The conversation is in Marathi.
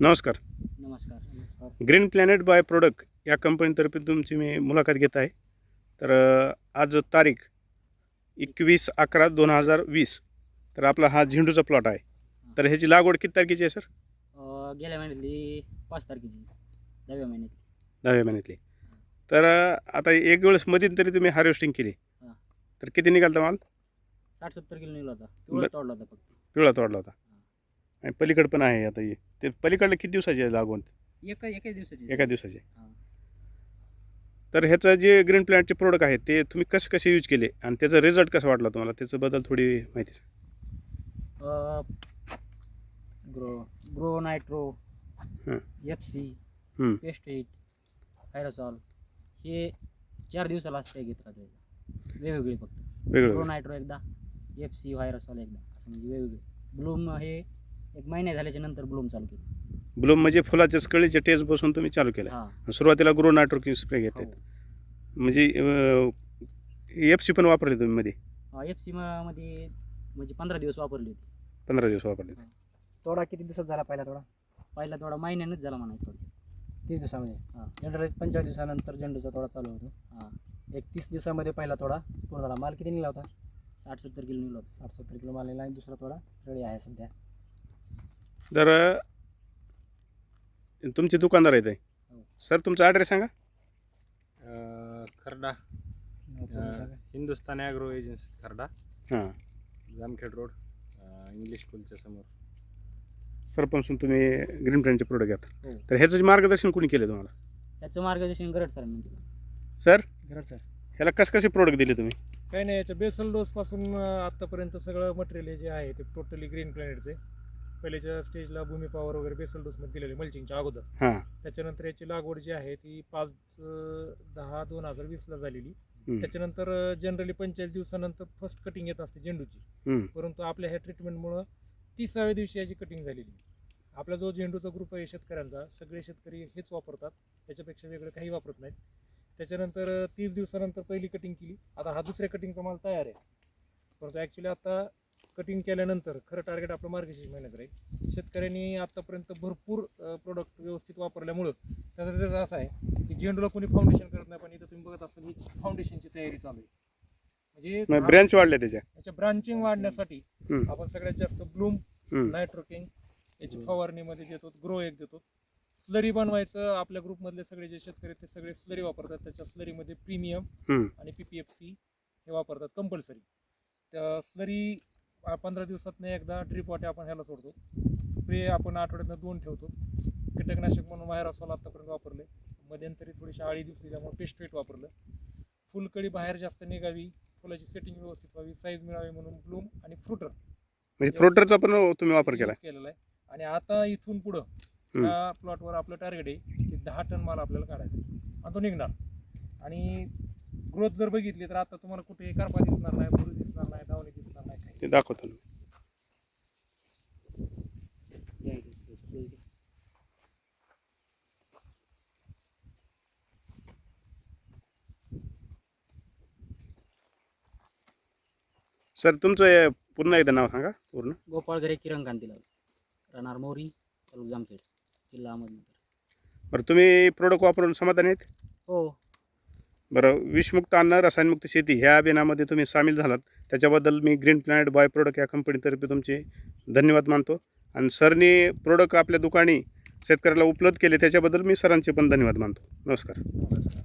नमस्कार. नमस्कार. ग्रीन प्लॅनेट बाय प्रोडक्ट या कंपनीतर्फे तुमची मी मुलाखत घेत आहे. तर आज तारीख 21/11/2020. तर आपला हा झेंडूचा प्लॉट आहे. तर ह्याची लागवड किती तारखेची आहे सर? गेल्या महिन्यातली 5 तारखेची 10व्या महिन्यातली. 10व्या महिन्यातली. तर आता एक वेळेस मधील तरी तुम्ही हार्वेस्टिंग केली. हां. तर किती निघालता माल? 60-70 किलो निघाला होता. पिवळा तोडला होता फक्त. पिवळा तोडला होता. आणि पलीकडे पण आहे आता हे. ते पलीकडलं किती दिवसाची आहे लागवड? एकाच दिवसाची. एका दिवसाची. हां. तर ह्याचं जे ग्रीन प्लॅनेटचे प्रोडक्ट आहेत ते तुम्ही कसे यूज केले आणि त्याचा रिझल्ट कसा वाटला तुम्हाला, त्याच्याबद्दल थोडी माहिती सांगा. ग्रो नायट्रो, हं. FC, हं. पेस्टिट, हायरोसॉल हे 4 दिवसाला स्प्रे घेत राहतो. वेगवेगळे फक्त. ग्रो वेगळं नायट्रो एकदा, FC, हायरोसॉल एकदा, असं म्हणजे वेगवेगळे. ब्लूम हे 1 महिना झाल्याच्या नंतर ब्लूम चालू केलं. ब्लूम म्हणजे फुलाच्या कळीचे टेस्ट बसून तुम्ही चालू केलं. हां. सुरुवातीला ग्रो नायट्रोकिन स्प्रे घेतले. हो. म्हणजे FC पण वापरले तुम्ही मध्ये? FC मध्ये म्हणजे 15 दिवस वापरली होती. 15 दिवस वापरले. तोडा किती दिवसात झाला पहिला तोडा? पहिला थोडा महिन्यानंच झाला म्हणायचं. 30 दिवसामध्ये. हां. जनरली 45 दिवसानंतर झेंडूचा तोडा चालू होतो. हां. 30 दिवसामध्ये पहिला तोडा पूर्ण झाला. माल किती निघाला होता? 60-70 किलो निघाला होता. 60-70 किलो माल निघाला आणि दुसरा तोडा रेडी आहे सध्या. तर तुमचे दुकानदार आहेत. हो. सर तुमचा ॲड्रेस सांगा. खर्डा, हिंदुस्तान ॲग्रो एजन्सी खर्डा, हां. जामखेड रोड, इंग्लिश स्कूलच्या समोर. सरपंचून तुम्ही ग्रीन प्लॅनेटचे प्रोडक्ट घ्या. हो. तर ह्याचं मार्गदर्शन कोणी केलं तुम्हाला? त्याचं मार्गदर्शन गरड सरांनी केलं. सर गरज सर. ह्याला कसे प्रोडक्ट दिले तुम्ही? काही नाही, याच्या बेसल डोसपासून आत्तापर्यंत सगळं मटेरियल जे आहे ते टोटली ग्रीन प्लॅनेटचे. पहिल्याच्या स्टेजला भूमी पॉवर वगैरे बेसल डोसमध्ये दिलेले मल्चिंगच्या अगोदर. हां. त्याच्यानंतर याची लागवड जी आहे ती 5/10/2020ला झालेली. हं. त्याच्यानंतर जनरली 45 दिवसानंतर फर्स्ट कटिंग येत असते झेंडूची. हं. परंतु आपल्या ह्या ट्रीटमेंटमुळं 30व्या दिवशी याची कटिंग झालेली. आपला जो झेंडूचा ग्रुप आहे शेतकऱ्यांचा, सगळे शेतकरी हेच वापरतात, त्याच्यापेक्षा वेगळं काही वापरत नाहीत. त्याच्यानंतर 30 दिवसानंतर पहिली कटिंग केली. आता हा दुसऱ्या कटिंगचा माल तयार आहे. परंतु ॲक्च्युली आता कटिंग केल्यानंतर खरं टार्गेट आपलं मार्गशीर्ष महिन्यात राहील. शेतकऱ्यांनी आत्तापर्यंत भरपूर प्रोडक्ट व्यवस्थित वापरल्यामुळं त्याचा रिझल्ट असा आहे की झेंडूला कोणी फाउंडेशन करत नाही, पण इथं तुम्ही बघत असाल ही फाउंडेशनची तयारी चालू आहे. म्हणजे ब्रँच वाढले त्याच्या. याच्या ब्रांचिंग वाढण्यासाठी हं. आपण सगळ्यात जास्त ब्लूम, हं. नायट्रोकिंग याची फवारणीमध्ये देतो, ग्रो एक देतो. स्लरी बनवायचं आपल्या ग्रुपमधले सगळे जे शेतकरी ते सगळे स्लरी वापरतात. त्याच्या स्लरीमध्ये प्रीमियम हं. आणि PPFC हे वापरतात कंपल्सरी. त्या स्लरी 15 दिवसातनं एकदा ड्रिप वाटे आपण ह्याला सोडतो. स्प्रे आपण आठवड्यातनं 2 ठेवतो. कीटकनाशक म्हणून हायरोसॉल आत्तापर्यंत वापरले. मध्यंतरी थोडीशी आळी दिसली त्यामुळे पेस्टिट वापरलं. फुलकळी बाहेर जास्त निघावी, फुलाची सेटिंग व्यवस्थित व्हावी, साईज मिळावी म्हणून ब्लूम आणि फ्रुटर म्हणजे फ्रुटरचा पण तुम्ही वापर केला? केलेला आहे. आणि आता इथून पुढं त्या प्लॉटवर आपलं टार्गेट आहे की 10 टन माल आपल्याला काढायचा आहे आणि तो निघणार. आणि ग्रोथ जर बघितली तर आता तुम्हाला कुठे करपा दिसणार नाही, बुरी दिसणार नाही, डावणी दिसणार नाही, काही. ते दाखवतो ना. सर तुमचं पुन्हा एकदा नाव सांगा पूर्ण. गोपाळ घरे किरण कांतीलाल, राहणार मोरी, तालुका जामखेड, जिल्हा अहमदनगर. बरं तुम्ही प्रोडक्ट वापरून समाधानी आहेत? हो. बरं विषमुक्त अन्न रसायनमुक्त शेती ह्या अभियानामध्ये तुम्ही सामील झालात त्याच्याबद्दल मी ग्रीन प्लॅनेट बाय प्रोडक्ट या कंपनीतर्फे तुमचे धन्यवाद मानतो. आणि सरनी प्रोडक्ट आपल्या दुकानी शेतकऱ्याला उपलब्ध केले त्याच्याबद्दल मी सरांचे पण धन्यवाद मानतो. नमस्कार.